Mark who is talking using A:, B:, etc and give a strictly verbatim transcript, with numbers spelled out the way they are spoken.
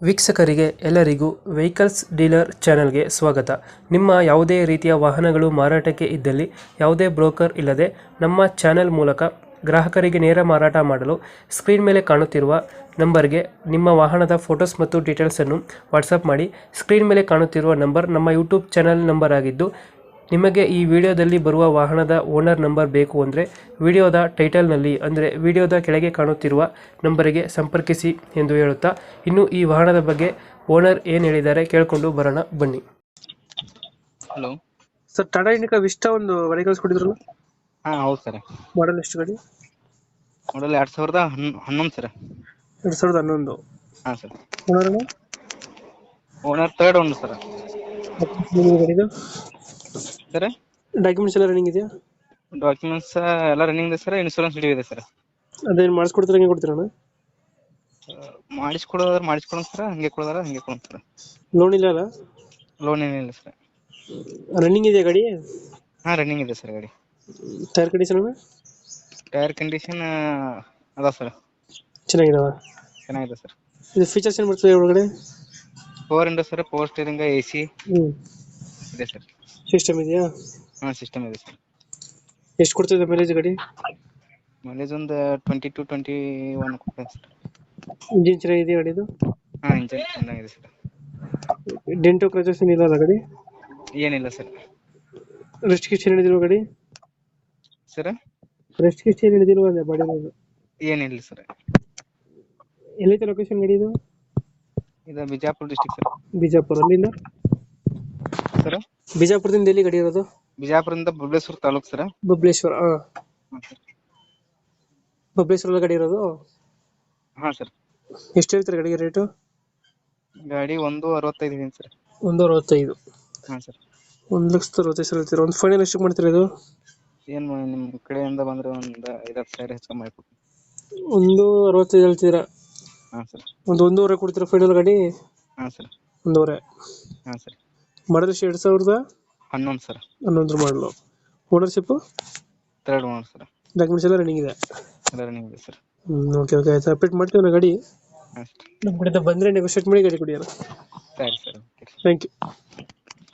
A: ವೀಕ್ಷಕರಿಗೆ ಎಲ್ಲರಿಗೂ vehicles dealer ಚಾನೆಲ್ಗೆ ಸ್ವಾಗತ. ನಿಮ್ಮ ಯಾವುದೇ ರೀತಿಯ ವಾಹನಗಳು ಮಾರಾಟಕ್ಕೆ ಇದ್ದಲ್ಲಿ ಯಾವುದೇ ಬ್ರೋಕರ್ ಇಲ್ಲದೆ ನಮ್ಮ ಚಾನೆಲ್ ಮೂಲಕ ಗ್ರಾಹಕರಿಗೆ ನೇರ ಮಾರಾಟ ಮಾಡಲು ಸ್ಕ್ರೀನ್ ಮೇಲೆ ಕಾಣುತ್ತಿರುವ ನಂಬರ್ಗೆ ನಿಮ್ಮ ವಾಹನದ ಫೋಟೋಸ್ ಮತ್ತು ಡೀಟೇಲ್ಸನ್ನು ವಾಟ್ಸಪ್ ಮಾಡಿ. ಸ್ಕ್ರೀನ್ ಮೇಲೆ ಕಾಣುತ್ತಿರುವ ನಂಬರ್ ನಮ್ಮ ಯೂಟ್ಯೂಬ್ ಚಾನೆಲ್ ನಂಬರ್ ಆಗಿದ್ದು, ನಿಮಗೆ ಈ ವಿಡಿಯೋದಲ್ಲಿ ಬರುವ ವಾಹನದ ಓನರ್ ನಂಬರ್ ಬೇಕು ಅಂದರೆ ವಿಡಿಯೋದ ಟೈಟಲ್ನಲ್ಲಿ ಅಂದರೆ ವಿಡಿಯೋದ ಕೆಳಗೆ ಕಾಣುತ್ತಿರುವ ನಂಬರಿಗೆ ಸಂಪರ್ಕಿಸಿ ಎಂದು ಹೇಳುತ್ತಾ, ಇನ್ನು ಈ ವಾಹನದ ಬಗ್ಗೆ ಓನರ್ ಏನು ಹೇಳಿದ್ದಾರೆ ಕೇಳಿಕೊಂಡು ಬರೋಣ ಬನ್ನಿ.
B: Hello
A: sir, Tata Indica Vista ಒಂದು ಗಾಡಿ ಕಳಿಸ್ಕೊಟ್ಟಿದ್ರಲ್ಲ,
B: ಹಾಂ ಹೌದು ಸರ್.
A: ಮಾಡಲ್ ಎಷ್ಟು ಗಾಡಿ?
B: ಮಾಡಲ್ ಎರಡು ಸಾವಿರದ ಹನ್ ಹನ್ನೊಂದು ಸರ್.
A: ಎರಡು ಸಾವಿರದ ಹನ್ನೊಂದು.
B: ಹಾಂ sir.
A: Owner
B: owner third owner sir.
A: ಗಾಡಿದು
B: ಸರ್
A: ಡಾಕ್ಯುಮೆಂಟ್ಸ್ ಎಲ್ಲ ರನ್ನಿಂಗ್ ಇದೆಯಾ?
B: ಡಾಕ್ಯುಮೆಂಟ್ಸ್ ಎಲ್ಲ ರನ್ನಿಂಗ್ ಇದೆ ಸರ್. ಇನ್ಶೂರೆನ್ಸ್ ಡ್ಯೂ ಇದೆ ಸರ್.
A: ಅದೇನು ಮಾಡಿಸ್ಕೊಡ್ತಾರೆ, ಹಂಗೆ ಕೊಡ್ತೀರಣ್ಣ?
B: ಮಾಡಿಸ್ಕೊಡೋದಾದ್ರೆ ಮಾಡಿಸ್ಕೊಡೋಣ ಸರ್, ಹಂಗೆ ಕೊಡೋದಾರ ಹಂಗೆ ಕೊಡೋಣ ಸರ್.
A: ಲೋನ್ ಇಲ್ಲ ಅಲ್ಲ?
B: ಲೋನ್ ಏನಿಲ್ಲ ಸರ್.
A: ರನ್ನಿಂಗ್ ಇದೆಯಾ ಗಾಡಿ?
B: ಹಾಂ ರನ್ನಿಂಗ್ ಇದೆ ಸರ್ ಗಾಡಿ.
A: ಟೈರ್ ಕಂಡೀಷನ್
B: ಟೈರ್ ಕಂಡೀಷನ್ ಅದ ಸರ್,
A: ಚೆನ್ನಾಗಿದಾವ?
B: ಚೆನ್ನಾಗಿದೆ ಸರ್.
A: ಇದು ಫೀಚರ್ಸ್ ಏನು ಬರ್ತದೆ ಒಳಗಡೆ?
B: Power window sir, power steering, A C
A: ಹ್ಞೂ
B: ಇದೆ ಸರ್.
A: ಸಿಸ್ಟಮ್ ಇದೆಯಾ?
B: ಹಾಂ ಸಿಸ್ಟಮ್ ಇದೆ ಸರ್.
A: ಎಷ್ಟು ಕೊಡ್ತಿದೆ ಮೈಲೇಜ್ ಗಾಡಿ?
B: ಮೈಲೇಜ್ ಒಂದು ಟ್ವೆಂಟಿ ಟು ಟ್ವೆಂಟಿ ಒನ್ ಕೊಡ್ತೇನೆ ಸರ್.
A: ಇಂಜಿನ್ ಚೆನ್ನಾಗಿದೆಯಾ ಗಾಡಿದು?
B: ಹಾಂ ಇಂಜನ್ ಚೆನ್ನಾಗಿದೆ ಸರ್.
A: ಡೆಂಟೋ ಕ್ರಚಸ್ ಏನಿಲ್ಲ ಅಲ್ಲ ಗಾಡಿ?
B: ಏನಿಲ್ಲ ಸರ್.
A: ರೆಸ್ಟ್ ಗಿಸ್ಟ್ ಏನು ಹಿಡಿದಿಲ್ವ ಗಾಡಿ?
B: ಸರ್
A: ರೆಸ್ಟ್ ಗಿಸ್ಟ್ ಏನು ಹಿಡಿದಿಲ್ವ ಅದೇ ಬಾಡಿ?
B: ಏನಿಲ್ಲ ಸರ್.
A: ಎಲ್ಲೈತೆ ಲೊಕೇಶನ್ ಗಾಡಿ ಇದು?
B: ಇದು ಬಿಜಾಪುರ ಡಿಸ್ಟಿಕ್ ಸರ್.
A: ಬಿಜಾಪುರ. ಅಲ್ಲಿಂದ
B: ಸರ್
A: ಬಿಜಾಪುರದಿಂದ ಎಲ್ಲಿ ಗಾಡಿ ಇರೋದು?
B: ಬಿಜಾಪುರದಿಂದ ಬಬಲೇಶ್ವರ ತಾಲೂಕು ಸರ್.
A: ಬಬಲೇಶ್ವರ. ಹಾಂ, ಬಬಲೇಶ್ವರ ಗಾಡಿ ಇರೋದು?
B: ಹಾಂ ಸರ್.
A: ಎಷ್ಟು ಹೇಳ್ತಾರೆ ಗಾಡಿಗೆ ರೇಟು?
B: ಗಾಡಿ ಒಂದು ಅರವತ್ತೈದು ಇದೆ ಸರ್.
A: ಒಂದು ಅರವತ್ತೈದು.
B: ಹಾಂ ಸರ್.
A: ಒಂದು ಲಕ್ಷದ ಅರವತ್ತೈದು ಸಾವಿರ ಹೇಳ್ತೀರಾ? ಒಂದು ಫೈನಲ್ ಎಷ್ಟು ಮಾಡ್ತೀರಾ ಇದು?
B: ಏನು ನಿಮ್ಮ ಕಡೆಯಿಂದ ಬಂದರೆ ಒಂದು ಐವತ್ತು ಸಾವಿರ ಹೆಚ್ಚು ಮಾಡಿಕೊಡ್ತೀನಿ.
A: ಒಂದು ಅರವತ್ತೈದು ಹೇಳ್ತೀರಾ?
B: ಹಾಂ ಸರ್.
A: ಒಂದು ಒಂದೂವರೆ ಕೊಡ್ತೀರಾ ಫೈನಲ್ ಗಾಡಿ?
B: ಹಾಂ ಸರ್.
A: ಒಂದೂವರೆ.
B: ಹಾಂ ಸರ್.
A: ಮಾಡಲ್ ಎಷ್ಟು? ಎರಡು ಸಾವಿರದ
B: ಹನ್ನೊಂದು ಸರ್.
A: ಹನ್ನೊಂದು ಮಾಡಲು. Ownership?
B: Third owner sir.
A: Documents ಎಲ್ಲ ರನ್ನಿಂಗ್ ಇದೆ?
B: ಎಲ್ಲ ರನ್ನಿಂಗ್ ಇದೆ ಸರ್.
A: ಹ್ಞೂ ಓಕೆ ಓಕೆ ಆಯ್ತು, ಅಪ್ಡೇಟ್ ಮಾಡ್ತೀವಿ ನಾ ಗಾಡಿ.
B: ಹಾಂ ಸರ್.
A: ನಮ್ಮ ಕಡೆಯಿಂದ ಬಂದರೆ ನೆಗೋಷಿಯೇಟ್ ಮಾಡಿ ಗಾಡಿ ಕೊಡಿ ಅಣ್ಣ.
B: ಸರಿ ಸರ್. ಓಕೆ.
A: Thank you.